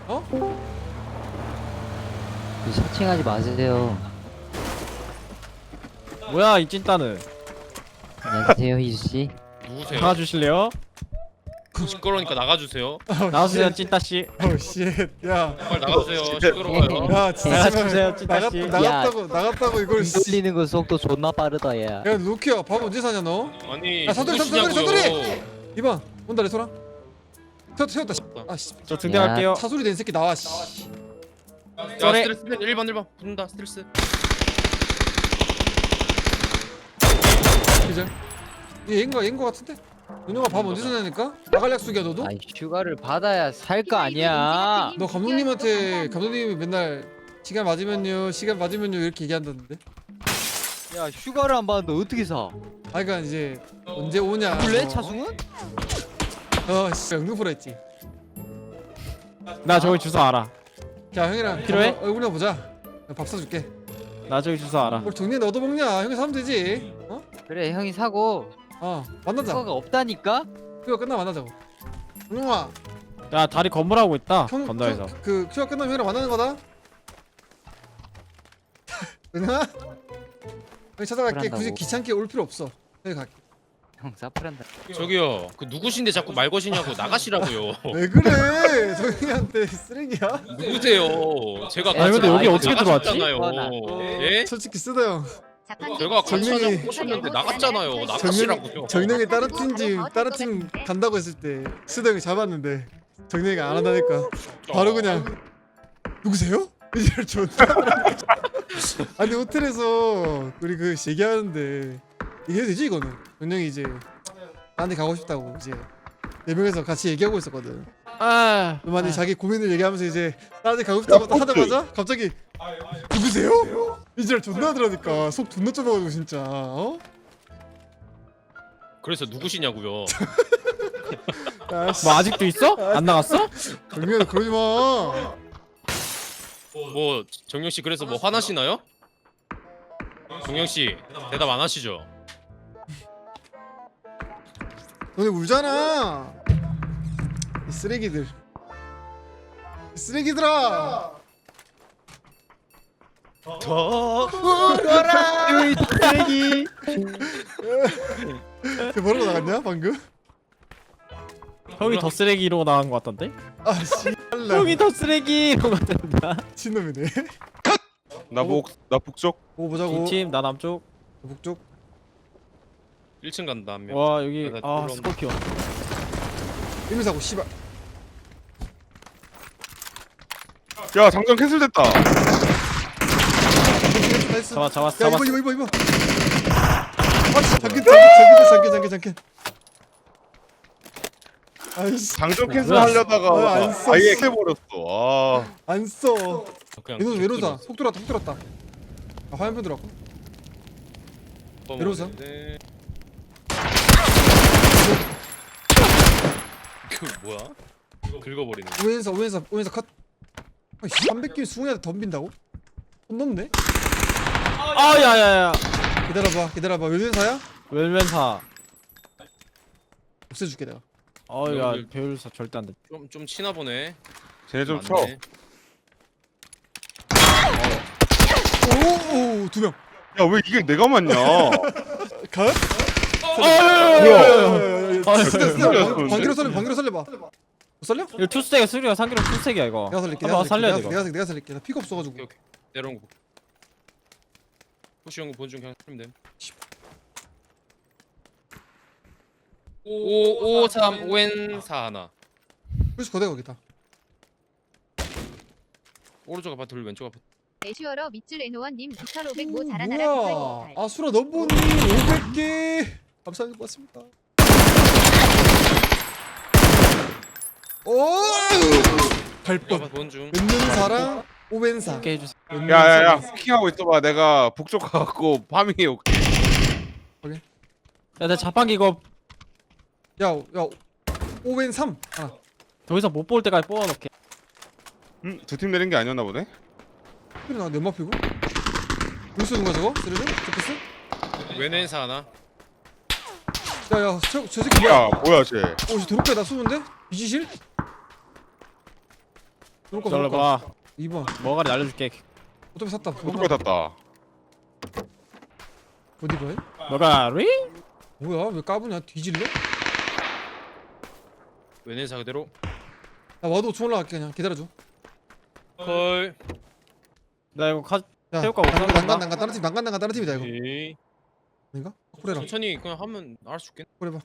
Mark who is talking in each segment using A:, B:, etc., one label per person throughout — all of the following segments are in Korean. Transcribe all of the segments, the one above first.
A: 어?
B: 사칭하지 마세요.
C: 뭐야 이 찐따는.
B: 안녕하세요 희수씨.
D: 누구세요?
C: 나와주실래요?
D: 시끄러우니까 나가주세요.
C: 나와주세요 찐따씨.
A: 쉣. 야,
D: 빨리 나가주세요. 시끄러워요.
A: 야, 진짜
C: 나가주세요 찐따씨.
A: 나갔다고 이걸.
B: 등 돌리는 거 속도 존나 빠르다 얘.
A: 야, 루키야, 밥 언제 사냐 너?
D: 아니
A: 야, 서두리,
D: 누구시냐고요?
A: 이봐, 온다 레소라. 세웠다. 아, 씨.
C: 저 등대 갈게요.
A: 차 소리 낸 새끼 나와. 씨.
D: 야
C: 쏘리.
D: 스트레스 1번 붙는다 스트레스.
A: 기절. 얘인거 같은데? 은영아 밥 언제 사냐니까? 나갈 약속이야 너도?
B: 아이 휴가를 받아야 살 거 아니야.
A: 너 감독님이 맨날 시간 맞으면요 이렇게 얘기한다는데.
B: 야 휴가를 안 받는데 어떻게 사?
A: 아, 그러니까 이제 언제 오냐.
B: 원래 차승은?
A: 씨, 응급으로 했지.
C: 나 저기 주소 알아.
A: 자, 형이랑
C: 필요해?
A: 얼굴이나 보자. 내가 밥 사줄게.
C: 나 저기 주소 알아.
A: 뭘 정리해 너도 먹냐? 형이 사면 되지. 어?
B: 그래 형이 사고
A: 만나자.
B: 휴가가 없다니까?
A: 휴가 끝나 만나자고. 은영아,
C: 야 다리 건물하고 있다.
A: 형,
C: 건너에서.
A: 그 휴가 끝나면 형이랑 만나는 거다. 은영아, 형이 찾아갈게.
B: 그런다고.
A: 굳이 귀찮게 올 필요 없어. 형이 갈게.
B: 형 사프란다.
D: 저기요 그 누구신데 자꾸 말 거시냐고 나가시라고요.
A: 왜 그래? 저희한테 쓰레기야?
D: 누구세요? 제가
B: 아니, 근데
C: 여기 어떻게 들어왔지?
D: 나갔잖아요. 예?
A: 솔직히 쓰다 형.
D: 제가 같이
A: 정민이-
D: 하자고 꼬셨는데 나갔잖아요. 나가시라고요.
A: 정령이 다른 팀 간다고 했을 때 쓰다 형이 잡았는데 정령이가 안 한다니까 바로 그냥 누구세요? 이럴 존나. 아니 호텔에서 우리 그 얘기하는데 이게 되지 이거는. 정령이 이제 나한테 가고 싶다고 이제 4명에서 같이 얘기하고 있었거든.
C: 아.
A: 너만이 자기 고민을 얘기하면서 이제 나한테 가고 싶다고 딱 하자마자 갑자기 누구세요? 이제 존나 하더라니까. 속 존나 좁아가지고 진짜. 어?
D: 그래서 누구시냐고요.
A: 야씨.
C: 뭐 아직도 있어? 안 나갔어?
A: 정령아 그러지 마.
D: 뭐 정영 씨 그래서 뭐 화나시나요? 정영 씨 대답 안 하시죠?
A: 너네 울잖아. 이 쓰레기들. 이 쓰레기들아.
C: 으이 쓰레기.
A: 쟤 뭐라고 나갔냐 방금?
C: 형이 더 쓰레기 이러고 나간 것 같던데?
A: 아씨.
C: 형이 더 쓰레기 이러고 나간다.
A: 친놈이네.
E: 나 북쪽.
A: 보고 보자고.
C: 이팀 나 남쪽.
A: 북쪽.
D: 1층 간다 한 명.
C: 와 여기
D: 나
C: 아
D: 들어온다.
C: 스코피오.
A: 일미사고 씨발.
E: 야 장전 캔슬됐다.
A: 나이스.
C: 잡았어
A: 야
C: 잡았어.
A: 이거. 아 잠깐. 아이씨.
E: 장전 캔슬
C: 뭐야?
E: 하려다가
A: 안 써,
E: 아예
A: 씨.
E: 해버렸어.
A: 안 써.
D: 그냥
A: 얘는 외로다.
D: 쭉
A: 속 들었다. 아 화염병 들어왔고.
D: 들어.
A: 외로우세요?
D: 네. 그 뭐야? 긁어버리네.
A: 오연사 컷. 300개 수공이한테 덤빈다고? 손 넘네?
C: 아 야야야.
A: 기다려봐. 외연사야?
C: 웰면사.
A: 없애줄게 내가.
C: 어야 배율사 절대 안 돼.
D: 좀 치나 보네.
E: 쟤네 좀 쳐.
D: 맞네.
A: 오 2명.
E: 야 왜 이게 내가 맞냐?
A: 컷?
E: 뭐야?
A: 방귀로 살려봐. 못 살려?
C: 이거 투스택이야 수리야 상기로 투스택이야 이거.
A: 내가 살릴게.
C: 한번 살려야 돼 이거.
A: 내가 살릴게. 나 피가 없어가지고.
D: 오케이. 내려온 거. 호시 형거 본중 그냥 쓰면 됨. 553 5N4 하나.
A: 그래서 거대 거기다.
D: 오른쪽 아파트 둘 왼쪽 아파트.
F: 애쉬어러 밑줄 에노원님 2505 자라나라
A: 뭐야?
F: 9828
A: 아수라 넘버님 500개 감사합니다. 고맙습니다. 오! 발법.
D: 아파트 본중.
A: 은는사랑 오벤사.
C: 이렇게 해주세요.
E: 야야야 스킹하고 있어봐. 내가 북쪽 가갖고 파밍해 올게.
C: 야내 자판기 이거
A: 야 오벤 3. 아,
C: 더 이상 못 볼 때까지 뽑아놓게.
E: 두 팀 내린 게 아니었나 보네.
A: 그래 나 내 마피고. 왜 쏘는 거야 저거? 쓰레기? 저패스?
D: 왼왼사 하나.
A: 야야 저 새끼 뭐야?
E: 야 뭐야 쟤.
A: 저 도로가에 나 쏘는데? 비지실? 쏠까
C: 기다려봐.
A: 2번
C: 머가리 날려줄게.
A: 오토바이 샀다
E: 오토바이 탔다.
A: 어디 봐요?
C: 머가리?
A: 뭐야 왜 까부냐 뒤질래?
D: 왼에사 그대로.
A: 나 와도 총 올라갈게 그냥 기다려줘
D: 콜.
C: 나 이거 카
A: 야
C: 태울까 못
A: 난간
C: 산다.
A: 난간 다른 팀 난간 다른 팀이다 이거
D: 오케이.
A: 아닌가? 그래라
D: 천천히 그냥 하면 알 수 있겠네.
A: 그래봐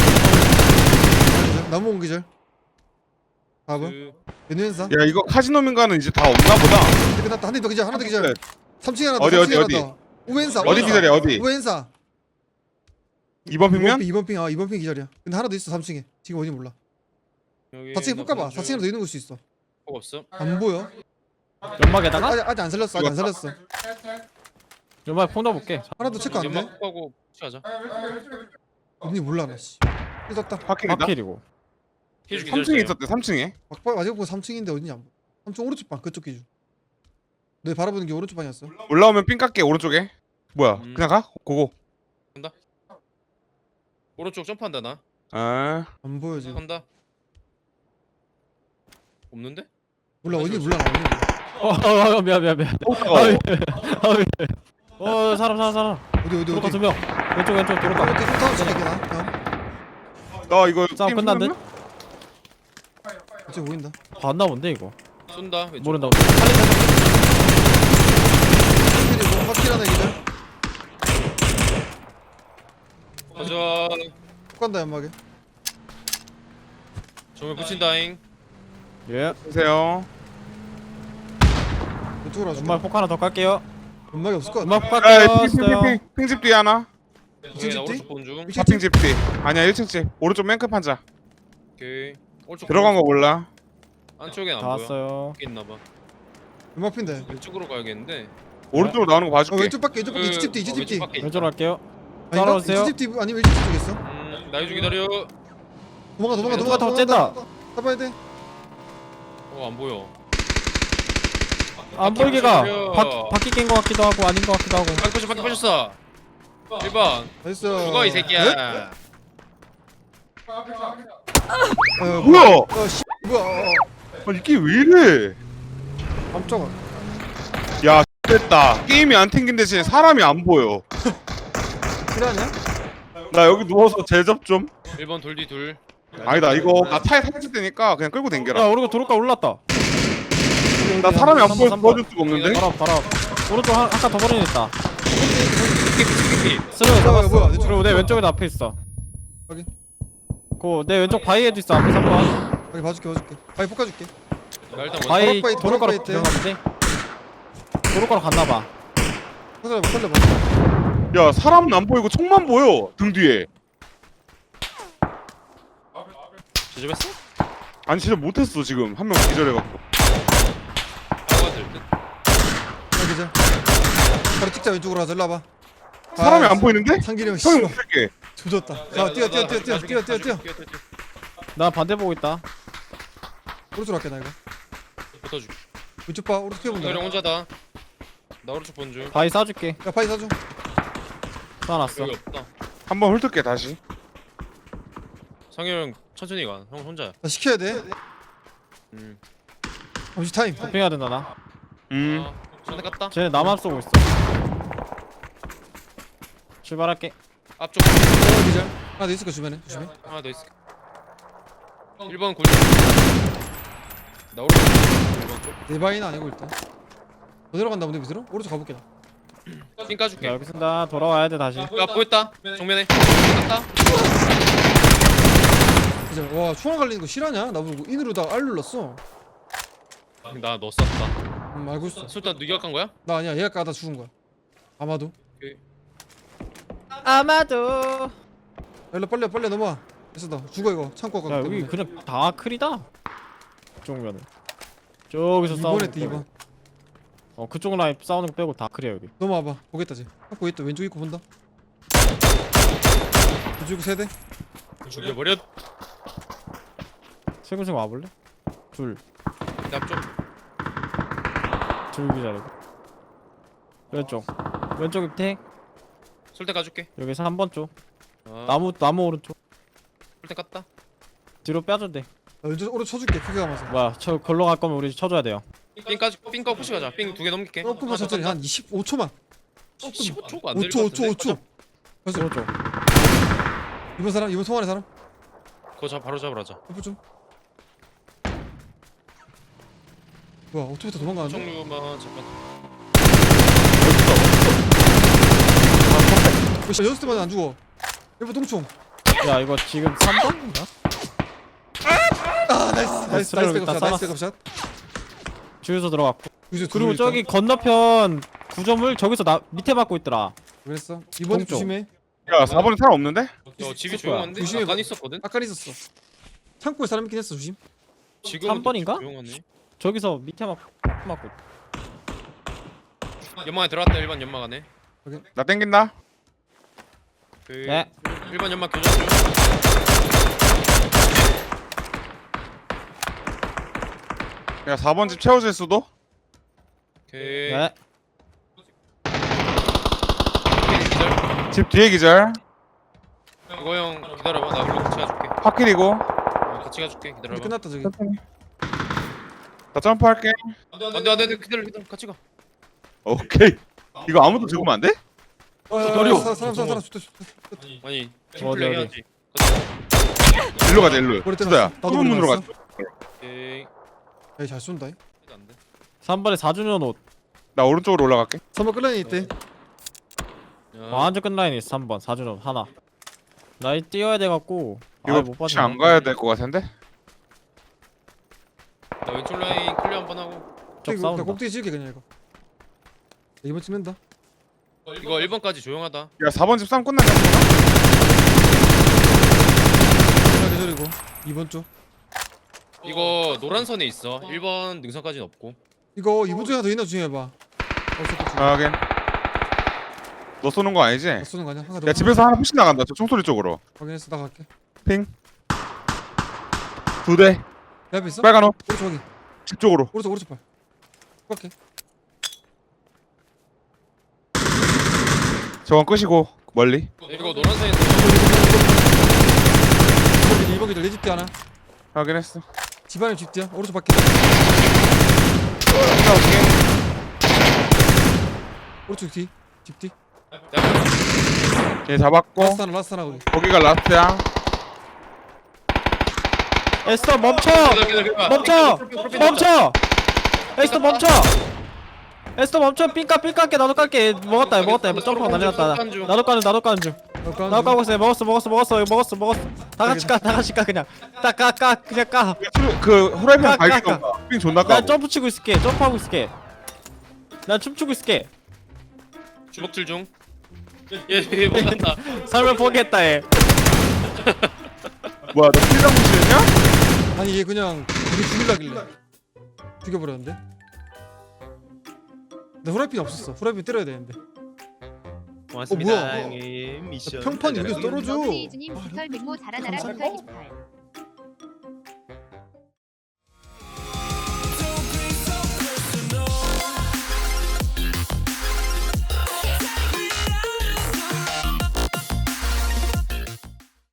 A: 나무 옹기절 4번
D: 그
A: 연회사
E: 야 이거 카지노민가는 이제 다 없나 보다.
A: 끝났다 한 대 더 기절 하나 더 기절 3층에 하나 더
E: 어디,
A: 3층에
E: 어디,
A: 하나 더 우엔사
E: 어디 기다려 어디?
A: 우엔사
E: 2번 핑면?
A: 2번 핑 2번 핑 기절이야 근데 하나 더 있어 3층에 지금 어디 몰라
D: 여기
A: 4층에 볼까봐 4층에 더 있는 걸 수 있어
D: 없어.
A: 안 보여
C: 연막에다가
A: 아직 안 살렸어 아직 안 살렸어
C: 연막에 폰 넣어볼게.
A: 하나 더 체크 안돼?
D: 연막하고 하자.
A: 언니 몰라 나씨 뜯었다
E: 파킹이다.
C: 파킬이고.
D: 해주기
E: 3층에 있었대 3층에.
A: 마지막 보고 3층인데 어디냐 안 보여 3층 오른쪽 방 그쪽 기준 너 바라보는 게 오른쪽 방이었어
E: 올라오면 삥 깎게 오른쪽에. 뭐야 그냥 가? 고고.
D: 오른쪽 점프한다 나.
E: 아
A: 안 보여 지금
D: 한다. 없는데?
A: 몰라 어디 몰라 나 어디
C: 미안. 사람.
A: 어디
C: 도로가 두 명. 왼쪽 도로가.
A: 이렇게 쏘타워 치게 나
E: 나 이거
C: 싸움
E: 게임
C: 끝난 듯?
E: 끝났나?
A: 어째 보인다
C: 봤나 본데 이거.
D: 쏜다. 왼쪽.
C: 모른다.
A: 확실히 확실 하나 기절
D: 가자.
A: 훅 간다 연막에
D: 정면 붙인다잉.
C: 예.
E: 보세요.
A: 왼쪽으로 와줄게
C: 연막 폭 하나 더 깔게요.
A: 연막이 없을 것 같아
C: 연막 폭
E: 야
C: 깔게요. 써요.
E: 핑집 뒤에 하나.
D: 오케이, 나
A: 집 뒤?
D: 오른쪽 본 중.
E: 파핑 집 뒤. 아니야 1층 집. 오른쪽 맨끝 판자.
D: 오케이. 오른쪽
E: 들어간 거 몰라.
D: 안쪽엔 안
C: 다
D: 보여.
C: 왔어요.
D: 여기 있나봐.
A: 연막 핀데
D: 왼쪽으로 가야겠는데.
E: 오른쪽으로 나오는 거 봐줄게.
A: 왼쪽 밖에 이집 뒤 이집 뒤
C: 왼쪽으로 갈게요.
A: 아닌가?
C: 따라오세요.
A: 이집 뒤 아니면 일집 쪽에 있어
D: 나 해주 기다려.
A: 도망가
C: 누가 더 쨌다.
A: 잡아야 돼
D: 안 보여.
C: 안 보이게 가.
D: 보여.
C: 바퀴 낀 거 같기도 하고 아닌 거 같기도 하고.
D: 밖에 빠졌어. 1번.
A: 나이스
D: 죽어 이 새끼야.
E: 뭐야?
A: 씨 뭐야
E: 아니 이게 왜 이래?
A: 깜짝아
E: 야 됐다. 게임이 안 튕긴 대신 사람이 안 보여.
A: 실화냐?
E: 나 여기 누워서 제접 좀.
D: 1번 돌디 둘.
E: 아니다 이거 나 차에 탈출 되니까 그냥 끌고
C: 야
E: 댕겨라.
C: 우리가 도로가 올랐다.
E: 나 사람이 안 보여서
C: 3번.
E: 도와줄 수가 없는데.
C: 바로 오른쪽 아까 더 버리냈다.
D: 피피.
C: 스르
A: 뭐야,
C: 잡았어.
A: 뭐야, 내 쪽.
C: 그리고 내 왼쪽에도 앞에 있어.
A: 확인.
C: 내 왼쪽 바위에도 있어. 앞에 3번.
A: 여기 봐줄게 바위 볶아줄게
D: 나 일단 먼저.
C: 바위
A: 도로바위,
C: 도로가로
A: 도로바위 때.
C: 들어갔는데. 도로가로 갔나봐.
A: 살려봐
E: 야 사람은 안 보이고 총만 보여 등 뒤에.
D: 제접했어?
E: 아니 진짜 못했어 지금 한 명 기절해갖고.
D: 아가 될 듯.
A: 기절 바로 찍자 왼쪽으로 가자 일로 와봐
E: 사람이 안 보이는데?
A: 상길이 형
E: 형이
A: 씨발
E: 못할게.
A: 조졌다 자 뛰어
C: 나 반대 보고 있다.
A: 오른쪽으로 갈게 나 이거
D: 붙어줄게.
A: 왼쪽 봐 오른쪽 피해본다
D: 성렬이 혼자다. 나 오른쪽 본 중.
C: 바위 쏴줄게.
A: 야 바위 사줘
C: 쏴놨어.
D: 여기 없다.
E: 한번 훑을게 다시.
D: 상렬 형 천천히 가. 형 혼자야.
A: 나 시켜야 돼
D: 음.
A: 잠시 타임
C: 도핑해야 된다 나.
D: 상대 깠다.
C: 쟤네 나만 쏘고 있어. 출발할게.
D: 앞쪽
A: 기절 하나 더 있을 거 주변에 조심해
D: 하나 더 있어. 1번 골. 나 오른쪽 1번 골.
A: 내 바위는 아니고 일단 어디로 간다 근데 밑으로? 오른쪽 가볼게 나
D: 삥
C: 자
D: 까줄게.
C: 여기 쓴다. 돌아와야 돼 다시.
D: 야 보였다. 정면에. 깠다.
A: 기절 와 총알 갈리는 거 실화냐? 나보고 인으로 다 R 눌렀어
D: 나 너 쐈다.
A: 알고 있어
D: 술탄 누가 깐 거야?
A: 나 아니야 얘가 까다 죽은 거야 아마도
C: 아마도.
A: 일로 빨리 넘어와 됐어 나 죽어 이거 창고
C: 야
A: 가기
C: 여기
A: 때문에
C: 그냥 다 크리다. 정면은. 저기서 싸우는
A: 2번에 때
C: 거 빼고.
A: 2번
C: 그쪽 라인 싸우는 거 빼고 다 크리야 여기.
A: 넘어와봐 보겠다 쟤 보고 있다 왼쪽 입구 본다 왼쪽 입구 세대
D: 죽여버려.
C: 슬금슬금 와볼래? 둘
D: 내 앞쪽.
C: 기다리고. 왼쪽 밑에
D: 술탄 까줄게.
C: 여기서 3번 쪽.
D: 아,
C: 나무 오른쪽.
D: 술탄 깠다.
C: 뒤로 빼줘 돼.
A: 왼쪽 오른쪽 쳐줄게 크게 감아서.
C: 뭐야 저 걸로 갈 거면 우리 쳐줘야 돼요.
D: 삥까지 삥까 푸시 가자. 삥 2개 넘길게.
A: 조금만 천천히 한 25초만.
D: 15초가 안 될 것
A: 5초
D: 같은데.
A: 5초 5초. 가자.
C: 오른쪽.
A: 이번 사람 이번 송환의 사람.
D: 그거 바로 잡으러 하자.
A: 해보 좀. 뭐야 오토부터 도망가는데?
D: 총류만 잠깐.
A: 왜 연습 때마다 안 죽어? 해보 똥총.
C: 야 이거 지금 3번인가?
A: 아 나이스
C: 스트레이로
A: 백업샷
C: 일단
A: 나이스 백업샷.
C: 주유소 들어갔고.
A: 그리고
C: 그리고 저기 건너편 구점을 저기서 나 밑에 맞고 있더라.
A: 그랬어. 이번 집
C: 동쪽.
A: 조심해.
E: 야 4번에 사람 없는데?
D: 저 집이
C: 있을 거야.
D: 조용한데?
A: 조심해.
D: 아까 있었거든.
A: 아까 있었어. 창고에 사람 있긴 했어 조심.
D: 지금은
C: 3번인가?
D: 조용하네.
C: 저기서 밑에 맞고.
D: 연막에 들어갔다. 1번 연막 안에.
E: 나 땡긴다.
D: 그
C: 네.
D: 1번 연막 교전 중.
E: 야 4번 집 채워질 수도?
D: 오케이.
C: 네.
D: 오케이, 기절.
E: 집 뒤에 기절.
D: 이거 형 기다려봐. 나 그럼 같이 가줄게.
E: 파킬이고.
D: 같이 가줄게.
A: 이제
D: 기다려봐.
A: 끝났다 저기.
E: 나 점프할게.
D: 안돼 기다려 같이 가.
E: 오케이. 이거 아무도 죽으면 안 돼?
A: 기다려. 사람 좋다.
D: 아니
C: 어디,
D: 팀플레이
C: 어디?
D: 해야지.
E: 일로 가자 일로.
A: 머리
E: 수다야.
A: 때렸어. 나도
E: 좁은 문으로
A: 머리
E: 가자.
D: 오케이.
A: 에이 잘 쏜다.
D: 안돼.
C: 3번에 4주년 옷.
E: 나 오른쪽으로 올라갈게.
A: 3번 끌라인 있대.
C: 완전 끝 라인이 있어 3번 4주년 옷 하나. 나이 뛰어야 돼갖고.
E: 이거
C: 못
E: 혹시
C: 봤네.
E: 안 가야 될 것 같은데?
D: 나 왼쪽 라인 클리어 한번 하고.
C: 적
A: 나
C: 싸운다.
A: 꼭대기 찍을게 그냥 이거. 이번 찍는다.
D: 이거 1번까지 조용하다.
E: 야 4번 집 싸움 끝났냐?
A: 하나 계절이고 2번 쪽.
D: 이거 노란 선에 있어. 1번 능선까지는 없고.
A: 이거 2번 쪽에 하나 더 있나 중요해봐.
E: 아 하긴. 너 쏘는 거 아니지?
A: 나 쏘는 거 아니야? 하나 더.
E: 야 집에서 하나 푸시 나간다. 저 총소리 쪽으로.
A: 확인했어. 나 갈게.
E: 핑. 2대.
A: 내 앞에 있어?
E: 빨간 옷.
A: 오른쪽 확인.
E: 집 쪽으로.
A: 오른쪽 발. 갈게.
E: 저건 끄시고 멀리.
D: 이거 노란 선에
A: 2번 기절 내 집뒤 하나.
E: 확인했어.
A: 집안에 집뒤야. 오른쪽 밖에. 오른쪽 뒤. 집뒤.
E: 얘 잡았고.
A: 라스트 하나 우리.
E: 거기가 라스트야.
C: 에스터 멈춰! 멈춰! 에스터 멈춰! 에스터 멈춰! 삥까 삥까게 나도 깔게. 먹었다 점프가 난리 났다. 나도 까는 중. 나도 까고 있어. 먹었어. 다 같이 까 그냥. 그냥 까.
E: 그 후라이팬
C: 까,
E: 발기
C: 까,
E: 가 핑 존나
C: 난
E: 까고.
C: 점프 치고 있을게. 점프하고 있을게. 난 춤추고 있을게.
D: 주먹질 중. 얘 못한다.
C: 삶을 포기했다 얘.
E: 뭐야 너 필당 무시했냐?
A: 아니 얘 그냥 우리 죽일라길래 죽여버렸는데. 나 후라이팬이 없었어. 후라이팬 때려야 되는데.
G: 고맙습니다.
A: 뭐야?
G: 형님 미션
A: 평판 여기서 떨어져.
F: 이주님 깃털 백모 자라나라 깃털 28.